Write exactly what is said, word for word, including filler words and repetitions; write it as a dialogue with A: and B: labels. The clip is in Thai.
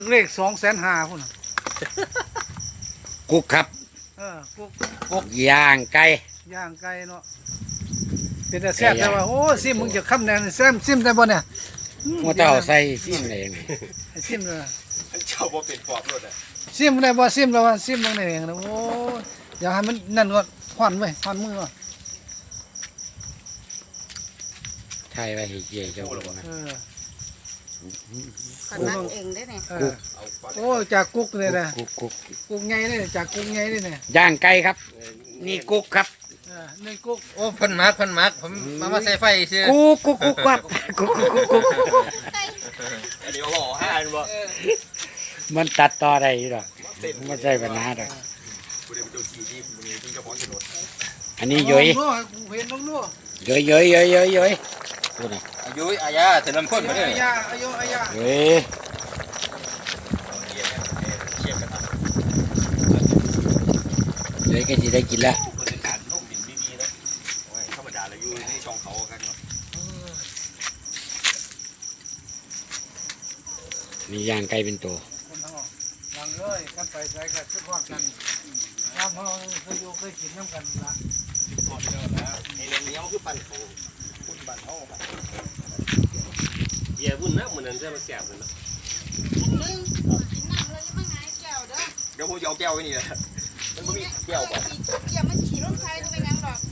A: เลขสองแสนห้าพุ่น
B: กุ๊กครับ
A: เออกุ๊ก
B: กุ๊กย่างไก่
A: ย่างไก่เนาะเป็นแต่แซ่บแต่ว่าโอ้ซิมมึงจะคำแดงแซ่บซิมได้บ่เนี่ย
B: หัวเต่าใส่ซิมอะไรอย่างนี้
A: ซิมเลย
C: อันเจ้าบ่เป็นปอบรถอ่ะ
A: ซิมได้บ่ซิมแล้วว่าซิมลงในเองนะโอ้อย่าให้มันนั่นก็ห่อนไว้ห่อนมือก่อน
B: ไทยไว้ให้เย่เจ้าลงนะ
A: เออ
D: ขนักเองได้เนี่ย
A: เออโอ้จากกุ๊กเลยนะ
B: กุ๊กกุ๊ก
A: กุ๊กไงเลยจากกุ๊กไงเลยเนี่ย
B: ย่างไก่ครับ นี่กุ๊กครับ
A: เออนี่กุ๊ก
C: โอ้พันมักพันมักผมมามาใส่ไฟซิ
B: กุ๊กกุ๊กกุ๊กครับกุ๊กกุ๊กกุ๊กกุ๊ก
C: อันนี้ห่อห้าอันบ่
B: มันตัดต่อได้อยู่หรอกไม่ใช่ปัญหาหรอก
C: กูได้เป็นเจ้าที่ที่กูนี่ที่เจ้าของถนน
B: อันนี้ย้อย
A: น้องกูเห็นน้องนัว
B: ย้อยย้อยย้อยย้อยย้อยพูดนะ
C: อายุอายาถึงลำพ้นมาเนี่ย
A: อายาอายุอายา
B: ย้อยย้อยก็จะได้กินแล้ว
C: คนเป็นการลงดินดีๆแล้วธรรมดาเลยอยู่ในช่องเขากันเนาะ
B: นี่ย่างไก่เป็นตัว
A: คนทั้งหมดลังเลยกันไปใส่กันทุกคนกันน้ำเขาเคยอยู่เคยกินน้ำกันละ
C: ก่อนเดียวนะไอ้เรื่องนี้มันคือปั่นเขาคุณปั่นเขาครับ
E: เบียร์บุญนะมันนั่นจะมาแสบเลยนะ
D: มึงกินน้ำเลยยังไม่ไงแก้วเด้อ
C: เดี๋ยวผมจะเอาแก้วไว้นี่แหละมันไม่มีแก้วบ่
D: เกี่ยวมันขี่รถไฟก็ไม่งั้นหรอก